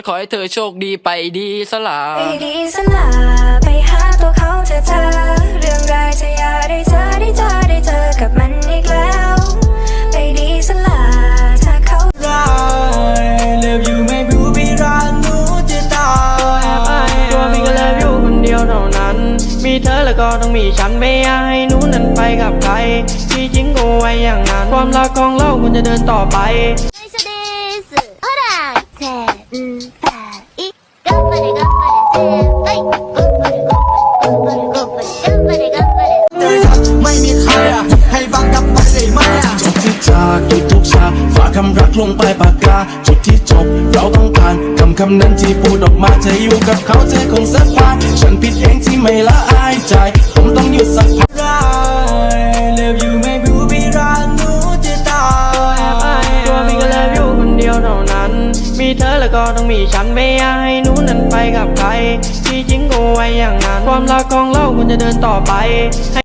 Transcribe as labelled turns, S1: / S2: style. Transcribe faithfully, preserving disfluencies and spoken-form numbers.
S1: ขอให้เธอโชคดีไปดีสลา
S2: ไปดีสลาไปหาตัวเขาเธอเธอเรื่องรายจะอย่าได้เจอได้เจอได้เจอกับมันอีกแล้วไปดีสลาถ้าเขา
S3: รักเลิฟอยู่ไม่รู้พี่รักหนูจะตาย
S4: ตัวพี่ก็เลิฟอยู่คนเดียวเท่านั้นมีเธอแล้วก็ต้องมีฉันไม่อยากให้หนูนั้นไปกับใครที่จริงก็ไว้อย่างนั้นความรักของเราควรจะเดินต่อไป
S5: ほらせんぱい頑張れ頑張れせんぱい頑張れ頑張れ頑張れ頑張れ頑張れ
S3: ไม่มีใครอะให้บังกับไปได้ไหมอะ
S6: จบที่จากทุกๆฉากฝากคำรักลงไปปากกาจุดที่จบเราต้องการคำคำนั้นที่พูดออกมาจะอยู่กับเขาเธอคงสักพักฉันผิดเองที่ไม่ละอายใจผมต้องหยุดสักพัก
S3: รักเลิฟอยู่ไม่รู้พี่รักหนูจะตาย
S4: ตัวพี่ก็เลิฟอยู่คนเดียวเท่านั้นมีเธอแล้วก็ต้องมีฉันไม่อยากให้หนูนั้นไปกับใครที่จริงก็ไว้อย่างนั้นความรักของเราควรจะเดินต่อไป